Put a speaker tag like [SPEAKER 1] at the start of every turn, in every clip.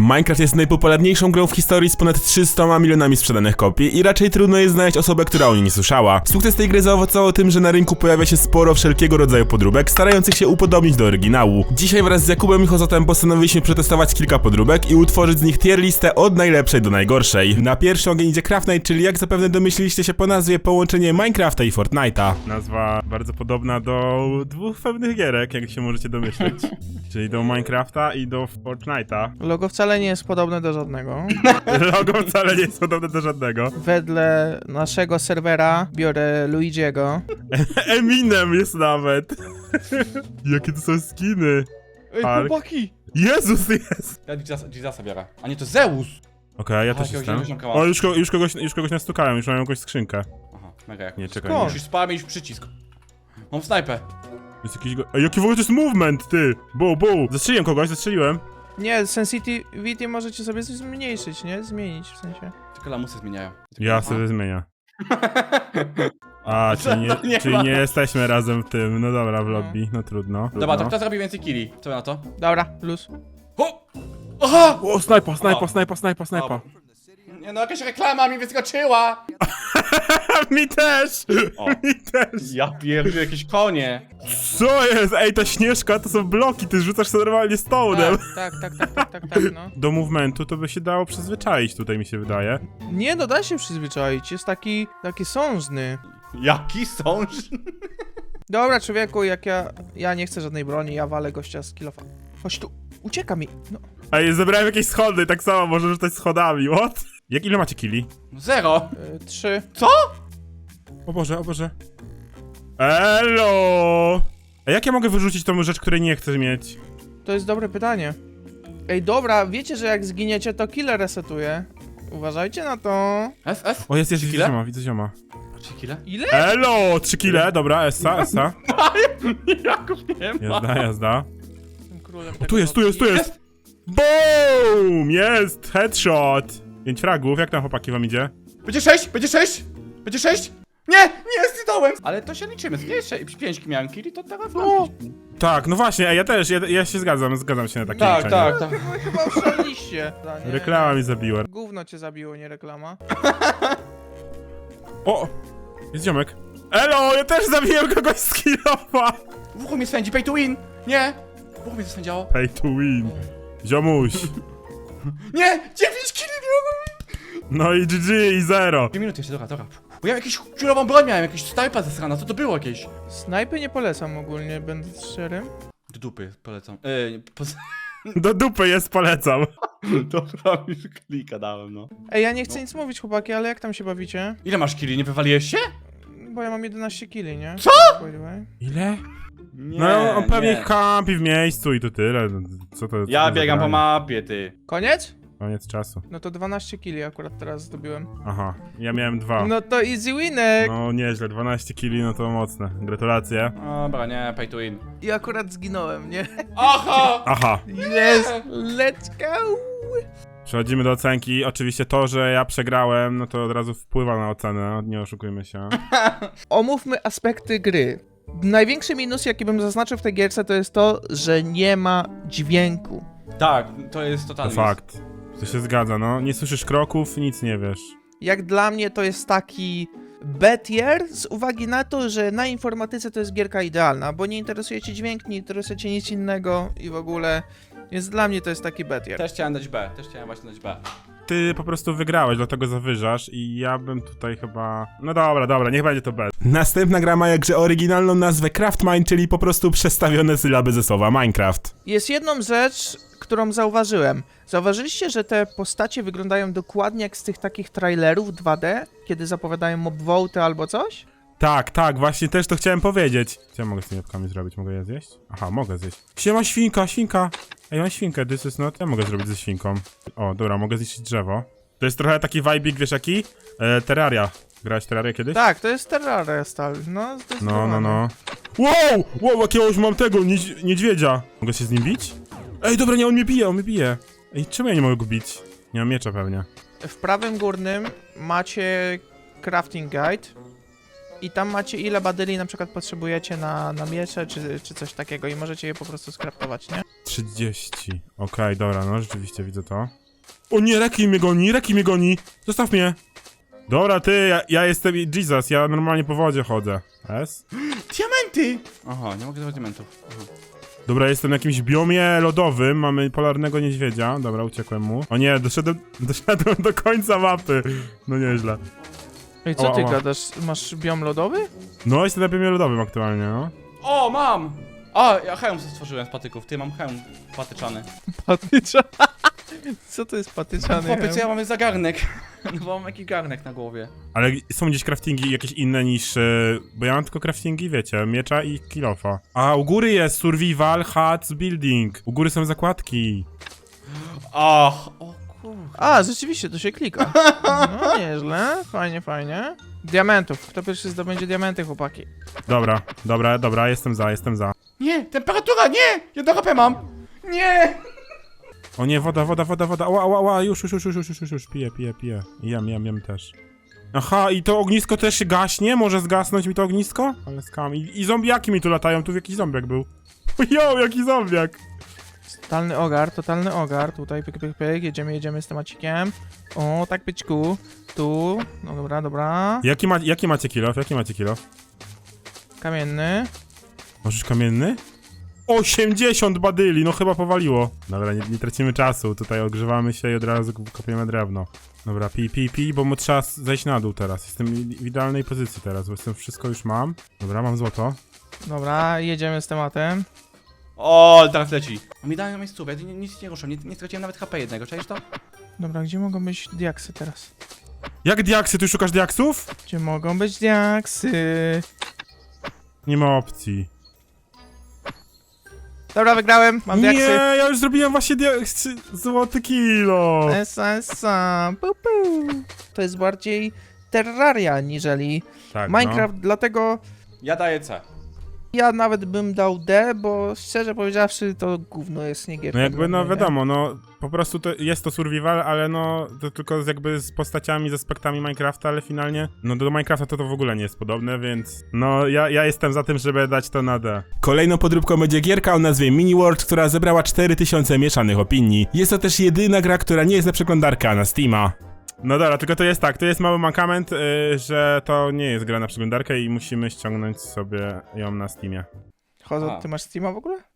[SPEAKER 1] Minecraft jest najpopularniejszą grą w historii z ponad 300 milionami sprzedanych kopii i raczej trudno jest znaleźć osobę, która o niej nie słyszała. Sukces tej gry zaowocował tym, że na rynku pojawia się sporo wszelkiego rodzaju podróbek, starających się upodobnić do oryginału. Dzisiaj wraz z Jakubem i Hozotem postanowiliśmy przetestować kilka podróbek i utworzyć z nich tier listę od najlepszej do najgorszej. Na pierwszy ogień idzie Craft Night, czyli jak zapewne domyśliliście się po nazwie, połączenie Minecrafta i Fortnite'a. Nazwa bardzo podobna do dwóch pewnych gierek, jak się możecie domyśleć. Czyli do Minecrafta i do Fortnite'a.
[SPEAKER 2] Logo wcale nie jest podobne do żadnego.
[SPEAKER 1] Logo wcale nie jest podobne do żadnego.
[SPEAKER 2] Wedle naszego serwera biorę Luigiego.
[SPEAKER 1] Eminem jest nawet. Jakie to są skiny.
[SPEAKER 2] Ej,
[SPEAKER 1] Ale-
[SPEAKER 2] chłopaki!
[SPEAKER 1] Jezus jest.
[SPEAKER 3] Ja Jezusa biorę. A nie, to Zeus!
[SPEAKER 1] Okej, ja też
[SPEAKER 3] jakiegoś
[SPEAKER 1] jestem.
[SPEAKER 3] ziomka mam.
[SPEAKER 1] O, już kogoś nastukałem, już mam jakąś skrzynkę.
[SPEAKER 3] Aha, mega jak.
[SPEAKER 1] Nie, czekaj.
[SPEAKER 2] Skąd?
[SPEAKER 1] Nie.
[SPEAKER 3] Musisz spamięć przycisk. Mam snajpę.
[SPEAKER 1] Jest jakiś Ej, jaki w ogóle to jest movement, ty! Bu. Zastrzeliłem kogoś, zastrzeliłem.
[SPEAKER 2] Nie, sensitivity możecie sobie zmniejszyć, nie? Zmienić w sensie.
[SPEAKER 3] Tylko lamusy zmieniają.
[SPEAKER 1] Ja sobie zmienię. A,
[SPEAKER 3] Nie
[SPEAKER 1] czyli
[SPEAKER 3] ma.
[SPEAKER 1] nie jesteśmy razem w tym. No dobra, w lobby, no trudno.
[SPEAKER 3] Dobra, to kto zrobi więcej killi? Co wy na to?
[SPEAKER 2] Dobra, luz.
[SPEAKER 3] Ho! Aha!
[SPEAKER 1] O, snajpa.
[SPEAKER 3] Nie no, jakaś reklama mi wyskoczyła!
[SPEAKER 1] Mi też!
[SPEAKER 3] O.
[SPEAKER 1] Mi też!
[SPEAKER 3] Ja pierdolę, jakieś konie.
[SPEAKER 1] Co jest? Ej, ta Śnieżka to są bloki, ty rzucasz sobie normalnie stołnem.
[SPEAKER 2] Tak, no.
[SPEAKER 1] Do movementu to by się dało przyzwyczaić, tutaj mi się wydaje.
[SPEAKER 2] Nie, no da się przyzwyczaić, jest taki sążny.
[SPEAKER 3] Jaki sąż?
[SPEAKER 2] Dobra, człowieku, jak ja nie chcę żadnej broni, ja walę gościa z kilofa. Chodź tu, ucieka mi. No.
[SPEAKER 1] Ej, zebrałem jakieś schody, tak samo może rzucać schodami, what? Ile macie killi?
[SPEAKER 3] 0.
[SPEAKER 2] 3.
[SPEAKER 3] Co?
[SPEAKER 1] O Boże. Elo! A jak ja mogę wyrzucić tą rzecz, której nie chcę mieć?
[SPEAKER 2] To jest dobre pytanie. Ej, dobra, wiecie, że jak zginiecie, to killer resetuje. Uważajcie na to.
[SPEAKER 3] S?
[SPEAKER 1] O, jest
[SPEAKER 3] Trzy kile?
[SPEAKER 1] widzę zioma.
[SPEAKER 3] 3 kile?
[SPEAKER 2] Ile?
[SPEAKER 1] Elo! 3 kile, dobra, Essa.
[SPEAKER 3] Jaków nie ma.
[SPEAKER 1] Jazda.
[SPEAKER 2] Jestem królem
[SPEAKER 1] O,
[SPEAKER 2] tego
[SPEAKER 1] tu jest! Boom! Jest! Headshot! 5 fragów, jak tam chłopaki wam idzie?
[SPEAKER 3] Będzie 6? Będzie 6? Nie, zjadałem! Ale to się liczymy, jeszcze 5 miałem killi, to teraz mam 5.
[SPEAKER 1] Tak, no właśnie, ja też, ja się zgadzam się na takie
[SPEAKER 3] Tak,
[SPEAKER 1] liczenie.
[SPEAKER 3] tak.
[SPEAKER 2] Wy chyba oszaleliście. Nie,
[SPEAKER 1] Reklama mi zabiła.
[SPEAKER 2] Gówno cię zabiło, nie reklama.
[SPEAKER 1] O! Jest ziomek. Elo, ja też zabiłem kogoś z kilofa!
[SPEAKER 3] W uchu mnie swędzi, pay to win! Nie! W uchu mnie zasędziało.
[SPEAKER 1] Pay to win. Ziomuś.
[SPEAKER 3] Nie! 9 killi miałem!
[SPEAKER 1] No i GG i 0.
[SPEAKER 3] 2 minuty jeszcze, dobra. Bo ja jakąś czurową broń miałem, jakieś snajpa zasrana, co to było jakieś?
[SPEAKER 2] Snajpy nie polecam ogólnie, będąc szczerym.
[SPEAKER 3] Do dupy, polecam.
[SPEAKER 1] Do dupy jest, polecam.
[SPEAKER 3] Dobra, już klika dałem, no.
[SPEAKER 2] Ej, ja nie chcę nic mówić, chłopaki, ale jak tam się bawicie?
[SPEAKER 3] Ile masz killi, nie wywaliłeś się?
[SPEAKER 2] Bo ja mam 11 kili, nie?
[SPEAKER 3] Co?
[SPEAKER 2] By the way.
[SPEAKER 1] Ile?
[SPEAKER 3] Nie,
[SPEAKER 1] No on pewnie
[SPEAKER 3] nie.
[SPEAKER 1] kampi w miejscu i to tyle. Co to?
[SPEAKER 3] Ja
[SPEAKER 1] co to
[SPEAKER 3] biegam
[SPEAKER 1] za
[SPEAKER 3] po
[SPEAKER 1] granie?
[SPEAKER 3] mapie, ty.
[SPEAKER 2] Koniec?
[SPEAKER 1] Koniec czasu.
[SPEAKER 2] No to 12 kili akurat teraz zdobyłem.
[SPEAKER 1] Aha, ja miałem 2.
[SPEAKER 2] No to easy winek!
[SPEAKER 1] No nieźle, 12 kili, no to mocne. Gratulacje.
[SPEAKER 3] Dobra, nie, pay to win.
[SPEAKER 2] I akurat zginąłem, nie?
[SPEAKER 3] Aha!
[SPEAKER 1] Aha,
[SPEAKER 2] Yes! Let's go!
[SPEAKER 1] przechodzimy do ocenki. Oczywiście to, że ja przegrałem, no to od razu wpływa na ocenę, nie oszukujmy się.
[SPEAKER 2] Omówmy aspekty gry. Największy minus, jaki bym zaznaczył w tej gierce, to jest to, że nie ma dźwięku.
[SPEAKER 3] Tak, to jest
[SPEAKER 1] To
[SPEAKER 3] totalnie.
[SPEAKER 1] fakt. To się zgadza, no. Nie słyszysz kroków, nic nie wiesz.
[SPEAKER 2] Jak dla mnie to jest taki B-tier z uwagi na to, że na informatyce to jest gierka idealna, bo nie interesuje cię dźwięk, nie interesuje cię nic innego i w ogóle, więc dla mnie to jest taki B-tier.
[SPEAKER 3] Też chciałem dać B, też chciałem właśnie dać B.
[SPEAKER 1] Ty po prostu wygrałeś, dlatego zawyżasz i ja bym tutaj chyba... No dobra, niech będzie to B. Następna gra ma jakże oryginalną nazwę Craftmine, czyli po prostu przestawione sylaby ze słowa Minecraft.
[SPEAKER 2] Jest jedną rzecz, którą zauważyłem. Zauważyliście, że te postacie wyglądają dokładnie jak z tych takich trailerów 2D, kiedy zapowiadają mob vote albo coś?
[SPEAKER 1] Tak, właśnie też to chciałem powiedzieć. Co ja mogę z tymi jabłkami zrobić? Mogę je zjeść? Aha, mogę zjeść. Siema świnka! Ej, mam świnkę, this is not... Ja mogę zrobić ze świnką. O, dobra, mogę zniszczyć drzewo. To jest trochę taki vibe'ik, wiesz jaki? Terraria. Grałeś Terrarię kiedyś?
[SPEAKER 2] Tak, to jest Terraria style, no zdecydowanie.
[SPEAKER 1] No. Wow, jakiegoś mam tego, niedźwiedzia. Mogę się z nim bić? Ej, dobra, nie, on mnie bije. Ej, czemu ja nie mogę go bić? Nie mam miecza pewnie.
[SPEAKER 2] W prawym górnym macie crafting guide. i tam macie ile badyli na przykład potrzebujecie na miecze, czy coś takiego i możecie je po prostu skraftować, nie?
[SPEAKER 1] 30. Okej, dobra, no rzeczywiście widzę to. O nie, Reki mnie goni! Zostaw mnie! Dobra, ty, ja jestem Jesus, ja normalnie po wodzie chodzę. S?
[SPEAKER 3] Diamenty! Aha, nie mogę zdobyć diamentów. Aha.
[SPEAKER 1] Dobra, jestem na jakimś biomie lodowym, mamy polarnego niedźwiedzia. Dobra, uciekłem mu. O nie, doszedłem do końca mapy. No nieźle.
[SPEAKER 2] I co ty
[SPEAKER 1] Ała.
[SPEAKER 2] gadasz? Masz biom lodowy?
[SPEAKER 1] No, jestem na biomie lodowym aktualnie, no.
[SPEAKER 3] O, mam! A, ja hełm sobie stworzyłem z patyków. Ty, mam hełm patyczany.
[SPEAKER 2] Patycza. Co to jest patyczany?
[SPEAKER 3] Chłopie, co ja mam za garnek? No bo mam jakiś garnek na głowie.
[SPEAKER 1] Ale są gdzieś craftingi jakieś inne niż... bo ja mam tylko craftingi, wiecie, miecza i kilofa. A, u góry jest survival, huts, building. U góry są zakładki.
[SPEAKER 3] Ach, o kurde.
[SPEAKER 2] A, rzeczywiście, to się klika. No, nieźle. Fajnie, fajnie. Diamentów. Kto pierwszy zdobędzie diamenty, chłopaki?
[SPEAKER 1] Dobra, jestem za.
[SPEAKER 3] Nie, temperatura, nie! Jedno HP mam! Nie!
[SPEAKER 1] O nie, woda. Ała, już, piję. Jem też. Aha, i to ognisko też się gaśnie? Może zgasnąć mi to ognisko? Ale skam. I zombiaki mi tu latają, tu jakiś zombiak był. Jo, jaki zombiak!
[SPEAKER 2] Totalny ogar. Tutaj, pyk. Jedziemy z temacikiem. O, tak, pyczku. Tu. No, dobra.
[SPEAKER 1] Jaki macie kilof?
[SPEAKER 2] Kamienny.
[SPEAKER 1] Możesz kamienny? 80 badyli, no chyba powaliło. Dobra, nie tracimy czasu, tutaj ogrzewamy się i od razu kopiemy drewno. Dobra, pij, bo mu trzeba zejść na dół teraz. Jestem w idealnej pozycji teraz, bo jestem, wszystko już mam. Dobra, mam złoto.
[SPEAKER 2] Dobra, jedziemy z tematem.
[SPEAKER 3] O, teraz leci. A mi dają miejscówkę, ja nic nie ruszę, nie straciłem nawet HP jednego, czaisz to?
[SPEAKER 2] Dobra, gdzie mogą być diaksy teraz?
[SPEAKER 1] Jak diaksy? Ty szukasz diaksów?
[SPEAKER 2] Gdzie mogą być diaksy?
[SPEAKER 1] Nie ma opcji.
[SPEAKER 2] Dobra, wygrałem, mam
[SPEAKER 1] Nie,
[SPEAKER 2] diaksy.
[SPEAKER 1] ja już zrobiłem właśnie złoty kilo.
[SPEAKER 2] Esa. To jest bardziej Terraria niżeli
[SPEAKER 1] Tak,
[SPEAKER 2] Minecraft, dlatego
[SPEAKER 3] Ja daję C.
[SPEAKER 2] ja nawet bym dał D, bo szczerze powiedziawszy to gówno jest nie gierka.
[SPEAKER 1] No jakby,
[SPEAKER 2] dla
[SPEAKER 1] no
[SPEAKER 2] mnie, nie?
[SPEAKER 1] wiadomo, no po prostu to jest to survival, ale no to tylko jakby z postaciami, z aspektami Minecrafta, ale finalnie, no do Minecrafta to w ogóle nie jest podobne, więc no ja jestem za tym, żeby dać to na D. Kolejną podróbką będzie gierka o nazwie Mini World, która zebrała 4000 mieszanych opinii. Jest to też jedyna gra, która nie jest na przeglądarkę na Steama. No dobra, tylko to jest tak, to jest mały mankament, że to nie jest gra na przeglądarkę i musimy ściągnąć sobie ją na Steamie.
[SPEAKER 2] Chodzą, ty masz Steama w ogóle?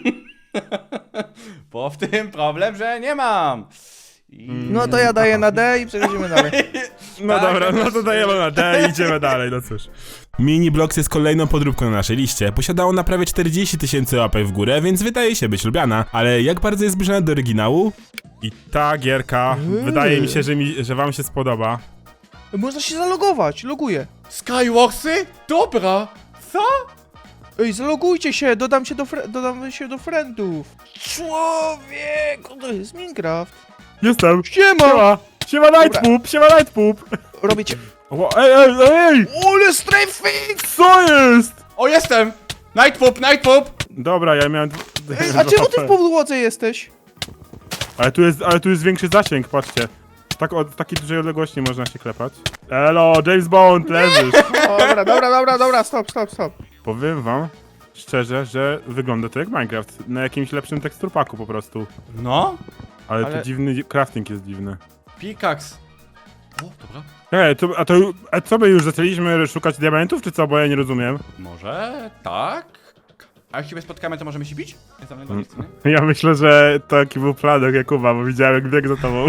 [SPEAKER 3] Bo w tym problem, że nie mam.
[SPEAKER 2] No to ja daję na D i przechodzimy dalej.
[SPEAKER 1] No
[SPEAKER 3] Tak,
[SPEAKER 1] dobra,
[SPEAKER 3] ja
[SPEAKER 1] no
[SPEAKER 3] też
[SPEAKER 1] to dajemy na D i idziemy dalej, no cóż. Mini Bloks jest kolejną podróbką na naszej liście. Posiadało na prawie 40 000 łapek w górę, więc wydaje się być lubiana. Ale jak bardzo jest zbliżona do oryginału? I ta gierka, wydaje mi się, że wam się spodoba.
[SPEAKER 2] Można się zalogować, loguję.
[SPEAKER 3] Skywarsy? Dobra. Co?
[SPEAKER 2] Ej, zalogujcie się, dodam się do friendów. Człowieku, to jest Minecraft.
[SPEAKER 1] Jestem.
[SPEAKER 2] Siema!
[SPEAKER 1] Siema Nightpoop!
[SPEAKER 2] Robię cię.
[SPEAKER 1] Ej!
[SPEAKER 2] Ole strafing!
[SPEAKER 1] Co jest?
[SPEAKER 3] O, jestem! Nightpoop!
[SPEAKER 1] Dobra, ja miałem...
[SPEAKER 2] Ej, a czemu ty w podłodze jesteś?
[SPEAKER 1] Ale tu jest większy zasięg, patrzcie. Tak od takiej dużej odległości można się klepać. Elo, James Bond, leżysz.
[SPEAKER 2] Dobra, stop.
[SPEAKER 1] Powiem wam szczerze, że wygląda to jak Minecraft. Na jakimś lepszym teksturpaku po prostu.
[SPEAKER 3] No?
[SPEAKER 1] Ale
[SPEAKER 2] Ale-
[SPEAKER 1] tu dziwny, crafting jest dziwny.
[SPEAKER 3] Pickaxe. O, dobra.
[SPEAKER 1] A co my już zaczęliśmy szukać diamentów, czy co? Bo ja nie rozumiem.
[SPEAKER 3] Może tak? A jak się spotkamy, to możemy się bić? Ja tam nie chcę, nie?
[SPEAKER 1] Ja myślę, że taki był plan od Jakuba, bo widziałem jak biegł za tobą.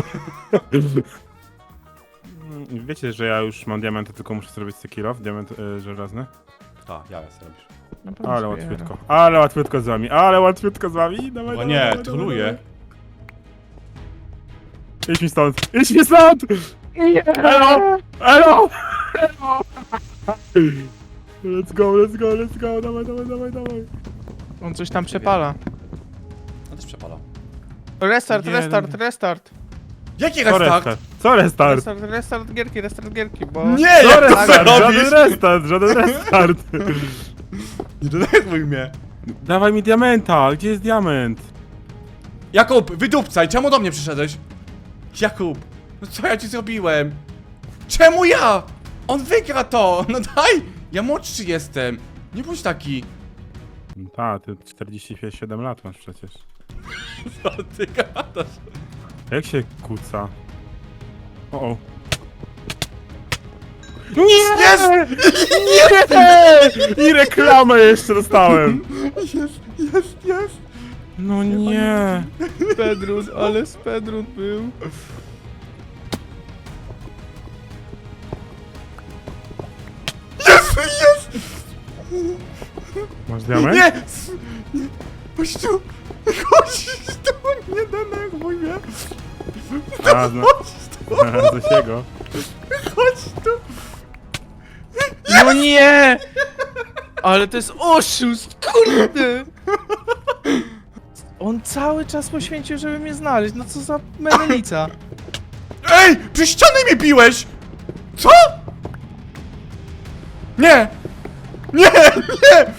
[SPEAKER 1] Wiecie, że ja już mam diamenty, tylko muszę zrobić kill diament żelazny.
[SPEAKER 3] Tak, ja sobie robisz.
[SPEAKER 1] Ale łatwiutko z wami, Dawaj,
[SPEAKER 3] O nie, troluję.
[SPEAKER 1] Idź mi stąd! Elo! Let's go, dawaj.
[SPEAKER 2] On coś tam przepala.
[SPEAKER 3] No też przepala.
[SPEAKER 2] Restart.
[SPEAKER 3] Jaki
[SPEAKER 1] Co
[SPEAKER 3] restart?
[SPEAKER 1] Co restart?
[SPEAKER 2] Restart gierki, bo...
[SPEAKER 3] Nie,
[SPEAKER 1] Co
[SPEAKER 3] jak to
[SPEAKER 1] restart?
[SPEAKER 3] robisz?
[SPEAKER 1] Żaden restart!
[SPEAKER 3] Nie denerwuj mnie.
[SPEAKER 1] Dawaj mi diamenta, gdzie jest diament?
[SPEAKER 3] Jakub, wydupcaj, czemu do mnie przyszedłeś? Jakub, no co ja ci zrobiłem? Czemu ja? On wygra to, no daj! Ja młodszy jestem. Nie bądź taki.
[SPEAKER 1] Ta, ty 47 lat masz przecież.
[SPEAKER 3] Co ty gadasz?
[SPEAKER 1] Jak się kuca? O. Nie!
[SPEAKER 3] Jest!
[SPEAKER 1] Nie! I reklamę jeszcze dostałem!
[SPEAKER 3] Jest!
[SPEAKER 1] No nie!
[SPEAKER 2] Spedrun, ale Spedrun był.
[SPEAKER 3] Jest!
[SPEAKER 1] Masz diament?
[SPEAKER 3] Nie! Nie! Chodź tu! Chodź tu! Nie denerwuj mnie!
[SPEAKER 1] A, no. Coś jego.
[SPEAKER 3] Chodź tu!
[SPEAKER 2] No nie! Ale to jest oszust, kurde! On cały czas poświęcił, żeby mnie znaleźć. No co za menelica.
[SPEAKER 3] Ej! Przy ściany mnie biłeś! Co? Nie! Nie! Nie!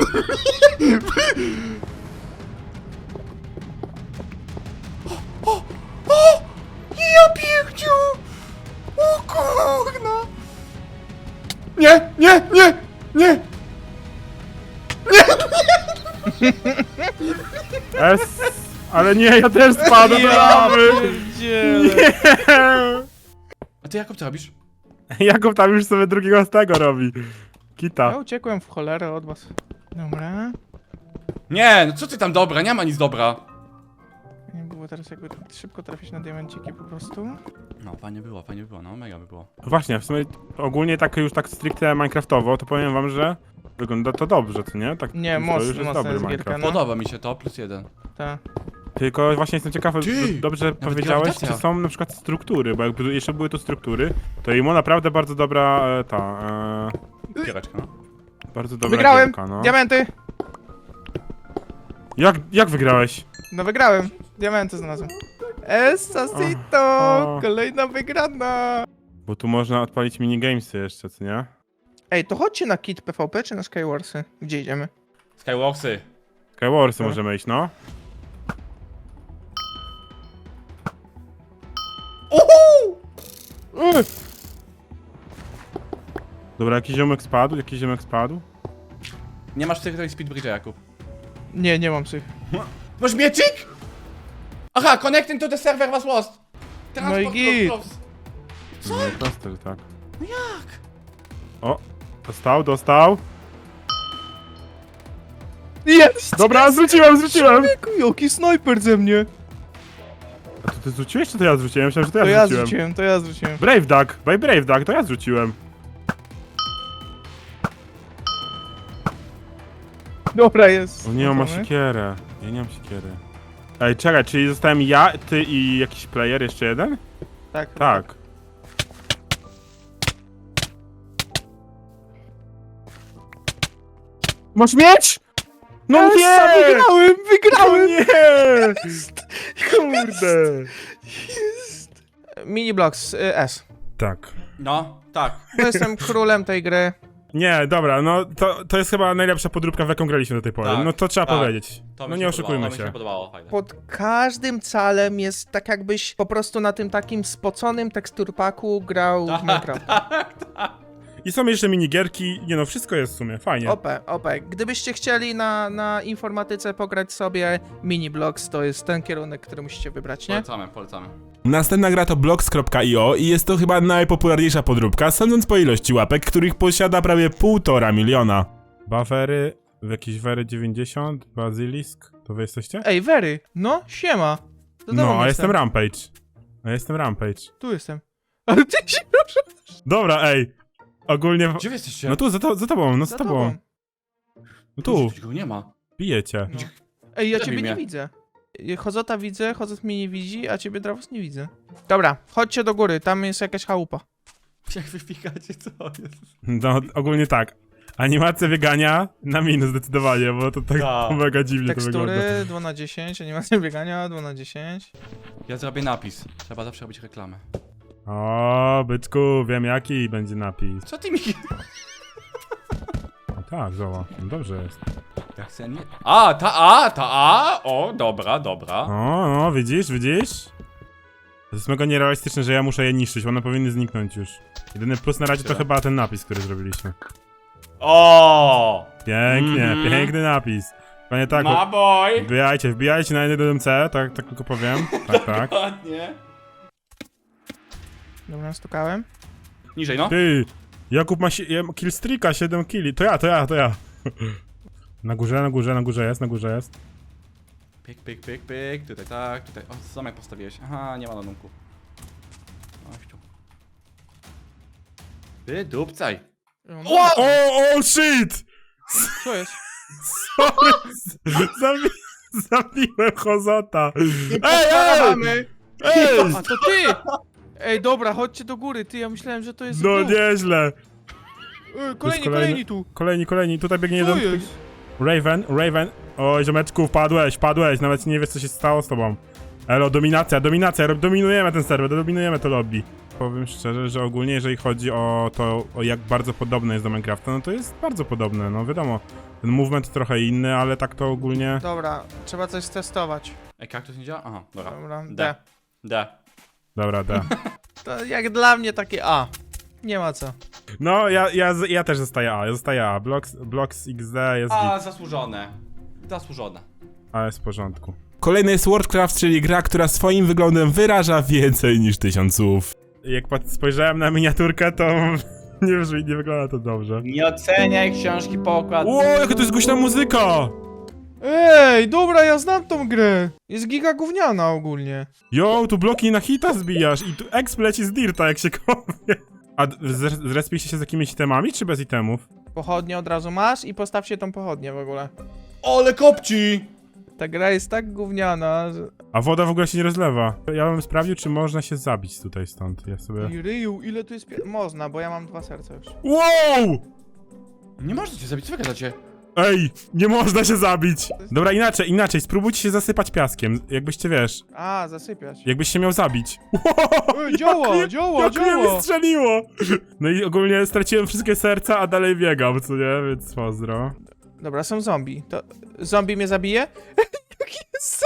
[SPEAKER 3] O! Ja piękniu! O kurna! Nie! Nie! Nie! Nie!
[SPEAKER 1] S. Ale nie, ja też spadłem do lawy!
[SPEAKER 2] pierdzielę.
[SPEAKER 1] Nie!
[SPEAKER 3] A ty Jakub, co robisz?
[SPEAKER 1] Jakub tam już sobie drugiego z tego robi.
[SPEAKER 2] Ja
[SPEAKER 1] Kita.
[SPEAKER 2] uciekłem w cholerę od was. Dobra.
[SPEAKER 3] Nie! No co ty tam dobra? Nie ma nic dobra.
[SPEAKER 2] Nie było teraz jakby szybko trafić na diamenciki po prostu.
[SPEAKER 3] No, fajnie było, no mega by było.
[SPEAKER 1] Właśnie, w sumie ogólnie tak już tak stricte minecraftowo, to powiem wam, że wygląda to dobrze, co nie? Tak,
[SPEAKER 2] Nie,
[SPEAKER 1] to
[SPEAKER 2] mocno,
[SPEAKER 1] już jest
[SPEAKER 2] mocno
[SPEAKER 1] dobry
[SPEAKER 2] jest gierka,
[SPEAKER 1] Minecraft.
[SPEAKER 2] no.
[SPEAKER 3] Podoba mi się to, +1.
[SPEAKER 2] Ta.
[SPEAKER 1] Tylko właśnie jestem ciekawy,
[SPEAKER 3] Ty!
[SPEAKER 1] dobrze powiedziałeś,
[SPEAKER 3] grawitacja.
[SPEAKER 1] czy są na przykład struktury, bo jakby jeszcze były tu struktury, to Imo naprawdę bardzo dobra
[SPEAKER 3] Giereczka, no.
[SPEAKER 1] bardzo dobra
[SPEAKER 2] Wygrałem!
[SPEAKER 1] gierka, no.
[SPEAKER 2] Diamenty!
[SPEAKER 1] Jak wygrałeś?
[SPEAKER 2] No wygrałem. Diamenty znalazłem. Esasito!
[SPEAKER 1] O.
[SPEAKER 2] Kolejna wygrana!
[SPEAKER 1] Bo tu można odpalić minigamesy jeszcze, co nie?
[SPEAKER 2] Ej, to chodźcie na kit PvP czy na Skywarsy? Gdzie idziemy?
[SPEAKER 3] Skywarsy.
[SPEAKER 1] Skywarsy
[SPEAKER 2] No.
[SPEAKER 1] możemy iść, no.
[SPEAKER 3] Uhu!
[SPEAKER 1] Dobra, jakiś ziomek spadł?
[SPEAKER 3] Nie masz tej speedbridge'a, Jakub.
[SPEAKER 2] Nie, nie mam tych.
[SPEAKER 3] Masz miecik? Aha, connecting to the server was lost.
[SPEAKER 2] No i git.
[SPEAKER 3] close.
[SPEAKER 1] Co? No, proste, że tak.
[SPEAKER 3] No jak?
[SPEAKER 1] O, dostał.
[SPEAKER 2] Jest!
[SPEAKER 1] Dobra, zrzuciłem!
[SPEAKER 2] Człowieku, jaki snajper ze mnie!
[SPEAKER 1] A to ty zrzuciłeś, czy to ja zrzuciłem? Myślałem, że to
[SPEAKER 2] To
[SPEAKER 1] ja
[SPEAKER 2] ja
[SPEAKER 1] zrzuciłem.
[SPEAKER 2] zrzuciłem, to ja zrzuciłem.
[SPEAKER 1] Brave Duck, by Brave Duck, to ja zrzuciłem.
[SPEAKER 2] Dobra, jest.
[SPEAKER 1] O nie, on ma siekierę. Ja nie mam siekiery. Ej, czekaj, czyli zostałem ja, ty i jakiś player, jeszcze jeden?
[SPEAKER 2] Tak.
[SPEAKER 1] Tak. Masz mieć? No
[SPEAKER 2] Yes,
[SPEAKER 1] nie!
[SPEAKER 2] Wygrałem!
[SPEAKER 1] No nie! Kurde!
[SPEAKER 2] Mini Blocks S.
[SPEAKER 1] Tak.
[SPEAKER 3] No, tak.
[SPEAKER 2] Bo jestem królem tej gry.
[SPEAKER 1] Nie, dobra, no to jest chyba najlepsza podróbka, w jaką graliśmy do tej pory.
[SPEAKER 3] Tak,
[SPEAKER 1] no to trzeba
[SPEAKER 3] tak.
[SPEAKER 1] powiedzieć.
[SPEAKER 3] To mi
[SPEAKER 1] No
[SPEAKER 3] się
[SPEAKER 1] nie oszukujmy
[SPEAKER 3] podobało, to mi
[SPEAKER 1] się.
[SPEAKER 3] podobało, fajne.
[SPEAKER 2] Pod każdym calem jest tak jakbyś po prostu na tym takim spoconym teksturpaku grał w Minecraft.
[SPEAKER 1] I są jeszcze minigierki, nie no, wszystko jest w sumie, fajnie.
[SPEAKER 2] OP. Gdybyście chcieli na informatyce pograć sobie Mini Blocks, to jest ten kierunek, który musicie wybrać, nie?
[SPEAKER 3] Polecamy.
[SPEAKER 1] Następna gra to blocks.io i jest to chyba najpopularniejsza podróbka, sądząc po ilości łapek, których posiada prawie 1,5 miliona. Buffery, jakieś Wery 90, Basilisk, to wy jesteście?
[SPEAKER 2] Ej, Very, no, siema. Do domu
[SPEAKER 1] No, a jestem Rampage.
[SPEAKER 2] Tu jestem. Ale ty się proszę.
[SPEAKER 1] Dobra, ej, ogólnie...
[SPEAKER 3] Gdzie wy jesteście?
[SPEAKER 1] No tu, za tobą, no za tobą. No tu,
[SPEAKER 3] Go nie ma.
[SPEAKER 1] bijecie.
[SPEAKER 2] No. Ej, ja
[SPEAKER 3] Zabij
[SPEAKER 2] ciebie nie
[SPEAKER 3] mnie.
[SPEAKER 2] widzę. Chozota widzę, Chozot mnie nie widzi, a ciebie Dravos nie widzę. Dobra, chodźcie do góry, tam jest jakaś chałupa.
[SPEAKER 3] Jak wypikacie, co jest?
[SPEAKER 1] No, ogólnie tak. Animacja biegania na minus zdecydowanie, bo to tak
[SPEAKER 3] Tak.
[SPEAKER 1] mega dziwnie to wygląda.
[SPEAKER 2] Tekstury 2 na 10, animacja biegania 2 na 10.
[SPEAKER 3] Ja zrobię napis. Trzeba zawsze robić reklamę.
[SPEAKER 1] O, byczku, wiem jaki będzie napis.
[SPEAKER 3] Co ty mi...
[SPEAKER 1] No tak, zobacz, no dobrze jest.
[SPEAKER 3] Ja chcę nie... O, dobra.
[SPEAKER 1] O, widzisz? To jest mega nierealistyczne, że ja muszę je niszczyć, one powinny zniknąć już. Jedyny plus na razie to
[SPEAKER 3] Tyle.
[SPEAKER 1] chyba ten napis, który zrobiliśmy.
[SPEAKER 3] O!
[SPEAKER 1] Pięknie,
[SPEAKER 3] Mhm.
[SPEAKER 1] piękny napis. Panie tak,
[SPEAKER 3] Ma boy!
[SPEAKER 1] wbijajcie na 1MC, tak tylko powiem. Tak.
[SPEAKER 3] Ładnie.
[SPEAKER 2] Dobra, stukałem.
[SPEAKER 3] Niżej, no.
[SPEAKER 1] Ty, Jakub ma killstreaka, 7 killi. To ja. Na górze jest.
[SPEAKER 3] Pyk. Tutaj tak, tutaj. O, zamek postawiłeś. Aha, nie ma ładunku. Chodź tu. Ty dupcaj.
[SPEAKER 1] O, shit!
[SPEAKER 2] Co jest?
[SPEAKER 1] Zabiłem Hozota.
[SPEAKER 3] Ej!
[SPEAKER 2] A to ty! Ej, dobra, chodźcie do góry, ty, ja myślałem, że to jest
[SPEAKER 1] No
[SPEAKER 2] dół.
[SPEAKER 1] nieźle.
[SPEAKER 2] Kolejni tu.
[SPEAKER 1] Kolejni, tutaj biegnie
[SPEAKER 2] Co
[SPEAKER 1] jeden.
[SPEAKER 2] jest?
[SPEAKER 1] Raven. Oj, ziomeczku, wpadłeś, nawet nie wiesz co się stało z tobą. Elo, dominacja, dominujemy ten serwer, dominujemy to lobby. Powiem szczerze, że ogólnie jeżeli chodzi o to, o jak bardzo podobne jest do Minecrafta, no to jest bardzo podobne, no wiadomo. Ten movement trochę inny, ale tak to ogólnie...
[SPEAKER 2] Dobra, trzeba coś testować.
[SPEAKER 3] Ej, kaktus nie działa? Aha, dobra.
[SPEAKER 2] Dobra,
[SPEAKER 3] D.
[SPEAKER 2] D.
[SPEAKER 3] D.
[SPEAKER 1] Dobra, da.
[SPEAKER 2] To jak dla mnie takie A. Nie ma co.
[SPEAKER 1] No, ja też zostaję A, Blocks XD jest
[SPEAKER 3] A,
[SPEAKER 1] git,
[SPEAKER 3] zasłużone. Zasłużone.
[SPEAKER 1] ale jest w porządku. Kolejny jest Worldcraft, czyli gra, która swoim wyglądem wyraża więcej niż 1000 słów. Jak spojrzałem na miniaturkę, to nie wygląda to dobrze.
[SPEAKER 3] Nie oceniaj książki po okładce.
[SPEAKER 1] Ło, jaka to jest głośna muzyka!
[SPEAKER 2] Ej, dobra, ja znam tą grę. Jest giga gówniana ogólnie.
[SPEAKER 1] Jo, tu bloki na hita zbijasz i tu exp leci z dirta, jak się kopie. A zrespiliście się z jakimiś itemami, czy bez itemów?
[SPEAKER 2] Pochodnie od razu masz i postawcie tą pochodnię w ogóle.
[SPEAKER 3] Ole kopci!
[SPEAKER 2] Ta gra jest tak gówniana, że...
[SPEAKER 1] A woda w ogóle się nie rozlewa. Ja bym sprawdził, czy można się zabić tutaj stąd. Ja sobie...
[SPEAKER 2] I ryju, ile tu jest Można, bo ja mam 2 serca już.
[SPEAKER 1] Wow!
[SPEAKER 3] Nie można cię zabić, co wy gadacie?
[SPEAKER 1] Ej, nie można się zabić! Dobra, inaczej, spróbujcie się zasypać piaskiem, jakbyście, wiesz,
[SPEAKER 2] A, zasypiać.
[SPEAKER 1] jakbyś się miał zabić.
[SPEAKER 2] Ej, działa!
[SPEAKER 1] Jak mnie strzeliło! No i ogólnie straciłem wszystkie serca, a dalej biegam, co nie? Więc pozdro.
[SPEAKER 2] Dobra, są zombie. To zombie mnie zabije? Jaki jest...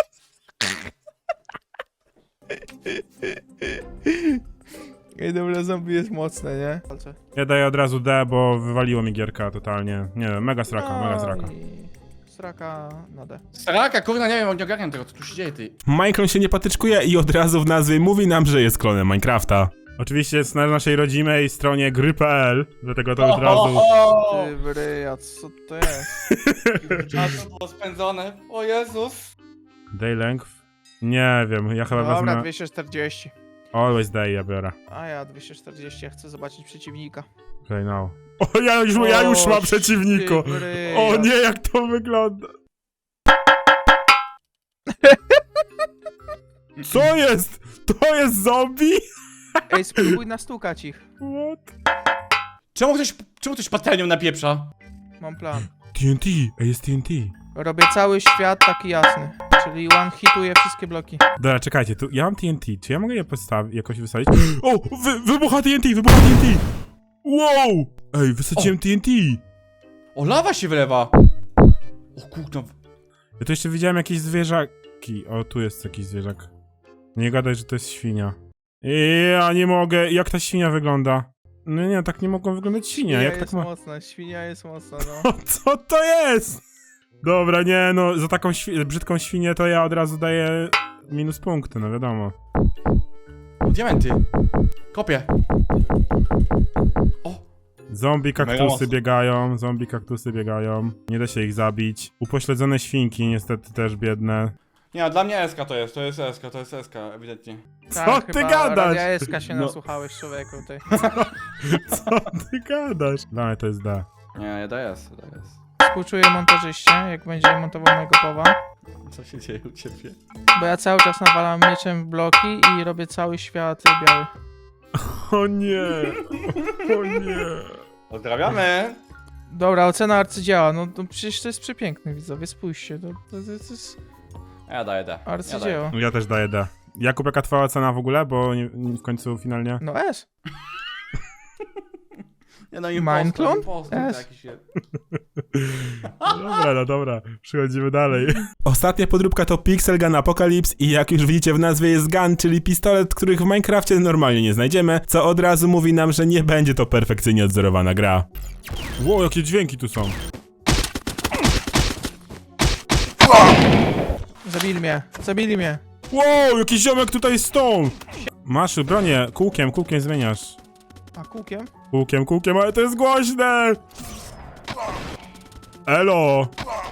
[SPEAKER 2] Ej, dobra, zombie jest mocne, nie?
[SPEAKER 1] Ja daję od razu D, bo wywaliło mi gierka totalnie. Nie wiem, mega sraka.
[SPEAKER 2] Sraka na D.
[SPEAKER 3] Straka, kurna, nie wiem, nie ogarniam tego, co tu się dzieje, ty.
[SPEAKER 1] Minecraft się nie patyczkuje i od razu w nazwie mówi nam, że jest klonem Minecrafta. Oczywiście jest na naszej rodzimej stronie gry.pl, dlatego to od razu...
[SPEAKER 2] Ty bryja, co to jest?
[SPEAKER 3] Czasu było spędzone, o Jezus.
[SPEAKER 1] Day length? Nie wiem, ja chyba
[SPEAKER 2] Dobra,
[SPEAKER 1] wezmę...
[SPEAKER 2] 240.
[SPEAKER 1] Always day ja biorę.
[SPEAKER 2] A ja 240, ja chcę zobaczyć przeciwnika.
[SPEAKER 1] Okay, no. O, ja już mam przeciwniku!
[SPEAKER 2] ty bryja.
[SPEAKER 1] O nie, jak to wygląda! Co jest? To jest zombie?
[SPEAKER 2] Ej, spróbuj nastukać ich.
[SPEAKER 1] What?
[SPEAKER 3] Czemu ktoś patelnią napieprza?
[SPEAKER 2] Mam plan.
[SPEAKER 1] TNT, jest TNT.
[SPEAKER 2] Robię cały świat taki jasny. Czyli one hituje wszystkie bloki.
[SPEAKER 1] Dobra, czekajcie, tu ja mam TNT, czy ja mogę je postawić, jakoś wysadzić? O! Wybucha TNT! Wow! Ej, wysadziłem TNT!
[SPEAKER 3] O, lawa się wylewa! O kurna.
[SPEAKER 1] Ja tu jeszcze widziałem jakieś zwierzaki. O, tu jest jakiś zwierzak. Nie gadaj, że to jest świnia. Ja nie mogę, jak ta świnia wygląda? No nie, tak nie mogą wyglądać świnia, jak tak
[SPEAKER 2] jest
[SPEAKER 1] ma...
[SPEAKER 2] mocna, świnia jest mocna, no.
[SPEAKER 1] O, co to jest? Dobra, nie no, za taką brzydką świnię to ja od razu daję minus punkty, no wiadomo.
[SPEAKER 3] O, diamenty. Kopię. O,
[SPEAKER 1] Zombie
[SPEAKER 3] Mega
[SPEAKER 1] kaktusy
[SPEAKER 3] mocno.
[SPEAKER 1] biegają. Nie da się ich zabić. Upośledzone świnki niestety też biedne.
[SPEAKER 3] nie, dla mnie SK to jest SK, ewidentnie.
[SPEAKER 1] Co ty gadasz?
[SPEAKER 2] Ja SK się
[SPEAKER 3] No.
[SPEAKER 2] nasłuchałeś, człowieku, ty.
[SPEAKER 1] Co ty gadasz? Dla mnie to jest D.
[SPEAKER 3] Nie, ja daję S.
[SPEAKER 2] Współczuję montażyście, jak będzie montował mojego powa.
[SPEAKER 3] Co się dzieje u ciebie?
[SPEAKER 2] Bo ja cały czas nawalam mieczem w bloki i robię cały świat biały.
[SPEAKER 1] O nie! O nie!
[SPEAKER 3] Pozdrawiamy!
[SPEAKER 2] Dobra, ocena arcydzieła, no to przecież to jest przepiękne, widzowie, spójrzcie, to jest
[SPEAKER 3] Ja daję D.
[SPEAKER 2] arcydzieło.
[SPEAKER 1] Ja też daję D. Jakub, jaka twoja ocena w ogóle? Bo w końcu finalnie...
[SPEAKER 2] No S.
[SPEAKER 3] Ja no
[SPEAKER 2] Mineclone?
[SPEAKER 3] impostor
[SPEAKER 2] Yes.
[SPEAKER 3] jakiś jest.
[SPEAKER 1] Dobra, no dobra, przechodzimy dalej. Ostatnia podróbka to Pixel Gun Apocalypse i jak już widzicie w nazwie jest gun, czyli pistolet, których w Minecrafcie normalnie nie znajdziemy, co od razu mówi nam, że nie będzie to perfekcyjnie odzorowana gra. Wow, jakie dźwięki tu są.
[SPEAKER 2] Zabili mnie.
[SPEAKER 1] Wow, jakiś ziomek tutaj stąd. Masz bronię, kółkiem zmieniasz.
[SPEAKER 2] A kółkiem?
[SPEAKER 1] Kółkiem, ale to jest głośne! Elo!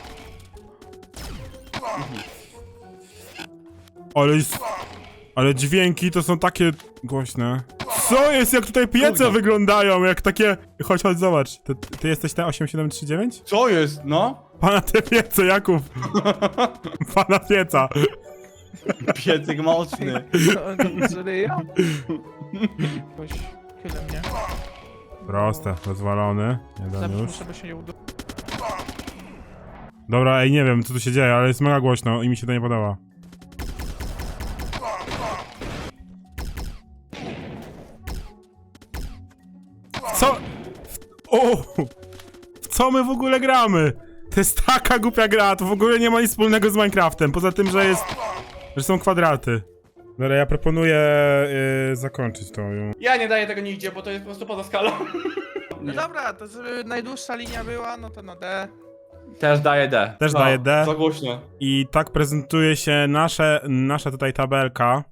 [SPEAKER 1] Ale dźwięki to są takie głośne. Co jest, jak tutaj piece
[SPEAKER 3] Trudno.
[SPEAKER 1] wyglądają, jak takie... Chodź, zobacz. Ty jesteś ten 8739?
[SPEAKER 3] Co jest, no?
[SPEAKER 1] Pana te piece, Jakub. Pana pieca.
[SPEAKER 3] Piecyk mocny.
[SPEAKER 2] Żyją? Jakoś chylę mnie.
[SPEAKER 1] Proste, rozwalony. Jeden
[SPEAKER 2] Zabić
[SPEAKER 1] już.
[SPEAKER 2] muszę, by się nie udało.
[SPEAKER 1] Dobra, ej, nie wiem co tu się dzieje, ale jest mega głośno i mi się to nie podoba. Co? W co my w ogóle gramy? To jest taka głupia gra, to w ogóle nie ma nic wspólnego z Minecraftem, poza tym, że są kwadraty. Dobra, ja proponuję zakończyć to.
[SPEAKER 3] Ja nie daję tego nigdzie, bo to jest po prostu poza skalą.
[SPEAKER 2] No dobra, to żeby najdłuższa linia była, no to na D.
[SPEAKER 3] Też daję D.
[SPEAKER 1] Też daję D.
[SPEAKER 3] Za głośno.
[SPEAKER 1] I tak prezentuje się nasza tutaj tabelka.